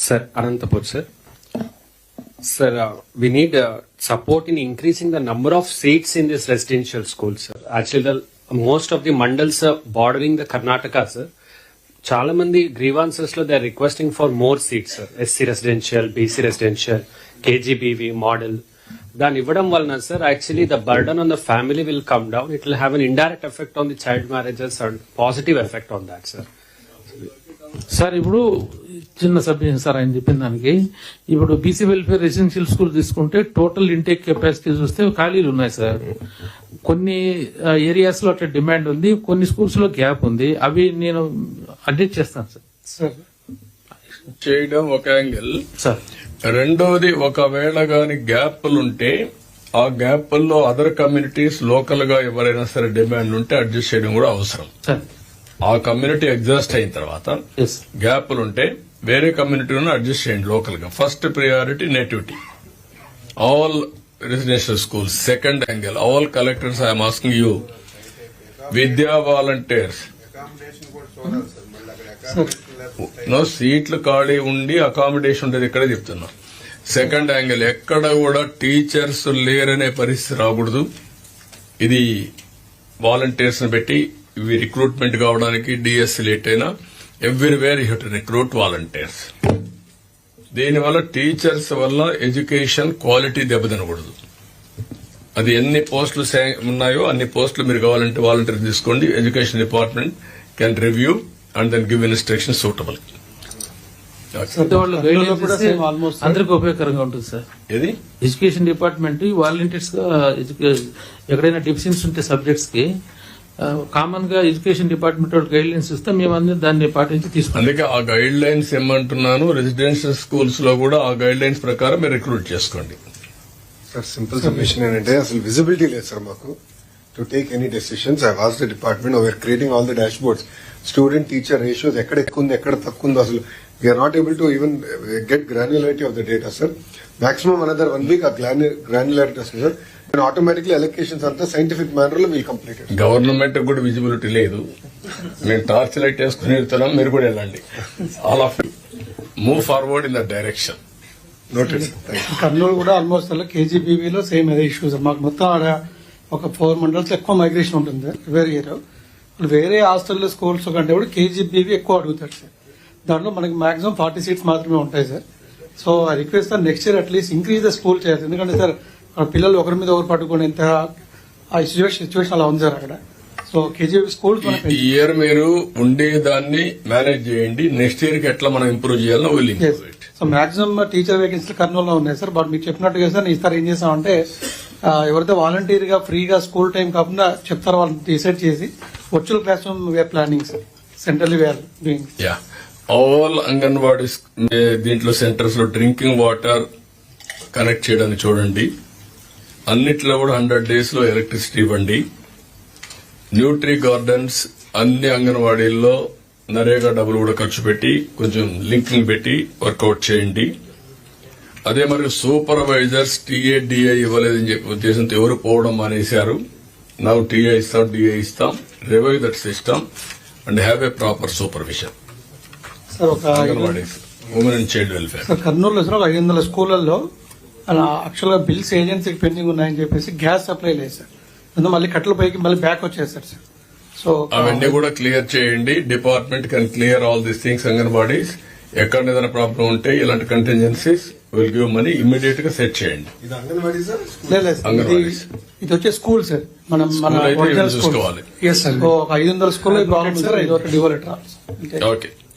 Sir, Anantapur, sir. Sir, we need support in increasing the number of seats in this residential school, sir. Actually, most of the mandals bordering the Karnataka, sir. చాలా మంది grievances లో they are requesting for more seats sir. SC residential, BC residential, KGBV model. దాన్ని ఇవ్వడం వలన sir actually the burden on the family will come down. It will have an indirect effect on the child marriages and positive effect on that sir. Sir ఇప్పుడు చిన్న subject sir ఆయన చెప్పిన దానికి, ఇప్పుడు BC welfare residential school తీసుకుంటే total intake capacity చూస్తే ఖాళీలు ఉన్నాయి సార్. కొన్ని ఏరియాస్ లో అట్లా డిమాండ్ ఉంది, కొన్ని స్కూల్స్ లో గ్యాప్ ఉంది. అవి నేను అడ్జస్ట్ చేస్తాను సార్. చేయడం ఒక యాంగిల్ సార్. రెండోది, ఒకవేళ గాని గ్యాప్లుంటే ఆ గ్యాప్ల్లో అదర్ కమ్యూనిటీస్ లోకల్ గా ఎవరైనా సరే డిమాండ్ ఉంటే అడ్జస్ట్ చేయడం కూడా అవసరం. సార్ ఆ కమ్యూనిటీ ఎగ్జాస్ట్ అయిన తర్వాత గ్యాప్లుంటే వేరే కమ్యూనిటీలను అడ్జస్ట్ చేయండి లోకల్ గా. First priority nativity, all residential schools. Second angle, all collectors I am asking you, Vidya volunteers no సీట్లు ఖాళీ ఉండి అకామిడేషన్ ఉండేది ఇక్కడే చెప్తున్నా. సెకండ్ యాంగిల్, ఎక్కడ కూడా టీచర్స్ లేరనే పరిస్థితి రాకూడదు. ఇది వాలంటీర్స్ ని పెట్టి ఇవి రిక్రూట్మెంట్ కావడానికి డిఎస్సీ లేట్ అయినా everywhere you to recruit volunteers. దీనివల్ల టీచర్స్ వల్ల ఎడ్యుకేషన్ క్వాలిటీ దెబ్బతినకూడదు. అది ఎన్ని పోస్టులు ఉన్నాయో అన్ని పోస్టులు మీరు కావాలంటే వాలంటీర్ తీసుకోండి. Education department can review and then give instruction suitable. అందరికి ఉపయోగకరంగా ఉంటుంది సార్. ఇది ఎడ్యుకేషన్ డిపార్ట్మెంట్ వాలంటీర్స్ గా ఎక్కడైనా డెఫిషియన్స్ ఉంటే సబ్జెక్ట్స్ కి కామన్ గా ఎడ్యుకేషన్ డిపార్ట్మెంట్ గైడ్ లైన్స్ ఇస్తే మేమందరం దాన్ని పాటించి తీసుకుంటాం. అందుకే ఆ గైడ్ లైన్స్ ఏమంటున్నాను, రెసిడెన్షియల్ స్కూల్స్ లో కూడా ఆ గైడ్ లైన్స్ ప్రకారం మీరు రిక్రూట్ చేసుకోండి. సార్ సింపుల్ సబ్మిషన్ ఏంటంటే అసలు విజిబిలిటీ లేదు సార్ మాకు to take any decisions. I was the department, we are creating all the dashboards, student teacher ratios ఎక్కడ ఎక్కువ ఉంది ఎక్కడ తక్కువ ఉందో అసలు we are not able to even get granularity of the data sir. Maximum another 1 week ఆ granularity వస్తుంది sir. Automatically allocations అంతా సైంటిఫిక్ మేనర్ లో వీల్ కంప్లీట్. గవర్నమెంట్ కూడా విజిబిలిటీ లేదు. మేము టార్చ్ లైట్ వేసుకుని వెళ్తున్నాం, మీరు కూడా వెళ్ళండి. All of move forward in the direction. Noted. Kurnool కూడా ఆల్మోస్ట్ అలా కేజీబీవీలో సేమ్ అదే ఇష్యూస్. మాకు మొత్తం ఒక 4 మండల్స్ ఎక్కువ మైగ్రేషన్ ఉంటుంది వేరే ఇయర్. వేరే హాస్టల్లో స్కూల్స్ కంటే కూడా కేజీబీవీ ఎక్కువ అడుగుతారు సార్. దాంట్లో మనకి మాక్సిమం 40 seats మాత్రమే ఉంటాయి sir. So I request sir next year at least increase the school చేయాలి. ఎందుకంటే సార్ పిల్లలు ఒకరి మీద ఒకరు పట్టుకుని ఎంత ఆ సిచ్యువేషన్ అలా ఉంది సార్ అక్కడ. సో కేజీబీ స్కూల్స్ ఈ ఇయర్ మీరు ఉండేదాన్ని మేనేజ్ చేయండి. నెక్స్ట్ ఇయర్ కి ఎట్లా మనం ఇంప్రూవ్ చేయాలో విల్. సో మాక్సిమం టీచర్ వేకెన్సీలు కర్నూలులో ఉన్నాయి సార్. బట్ మీకు చెప్పినట్టుగా సార్ ఈసారి ఏం చేస్తామంటే ఎవరైతే వాలంటీర్ గా ఫ్రీగా స్కూల్ టైం కాకుండా చెప్తారో వాళ్ళని డిసైడ్ చేసి virtual classroom we're planning sir. Centrally we're doing. All anganwadi దీంట్లో సెంటర్స్ లో డ్రింకింగ్ వాటర్ కనెక్ట్ చేయడానికి చూడండి. అన్నిట్లో కూడా 100 days లో ఎలక్ట్రిసిటీ ఇవ్వండి. న్యూట్రీ గార్డెన్స్ అన్ని అంగన్వాడీల్లో నరేగా డబ్బులు కూడా ఖర్చు పెట్టి కొంచెం లింకింగ్ పెట్టి వర్కౌట్ చేయండి. అదే మరి సూపర్వైజర్స్ టీఏ ఇవ్వలేదని చెప్పి ఉద్దేశంతో ఎవరు పోవడం మానేశారు. నౌ టీఏ ఇస్తాం, డిఏ ఇస్తాం. Revive that system and have a proper supervision. Anganwadis, women and child welfare. కర్నూలులో సార్ 500 స్కూళ్లలో అలా యాక్చువల్ గా బిల్స్ ఏజెన్సీకి పెండింగ్ ఉన్నాయని చెప్పేసి గ్యాస్ సప్లై లేదు సార్. అందులో మళ్ళీ కట్టల పైకి మళ్ళీ బ్యాక్ వచ్చేస్తారు సార్. సో అవన్నీ కూడా క్లియర్ చేయండి. Department can clear all these things. Anganwadis ఎక్కడ ఏదైనా ప్రాబ్లం ఉంటే ఇలాంటి contingencies will give money immediate గా సెట్ చేయండి. ఇది వచ్చే స్కూల్ సార్. మనం చూసుకోవాలి. 500 స్కూల్ ప్రాబ్లమ్ సార్. ఇది ఒక డివోలేటర్. ఓకే.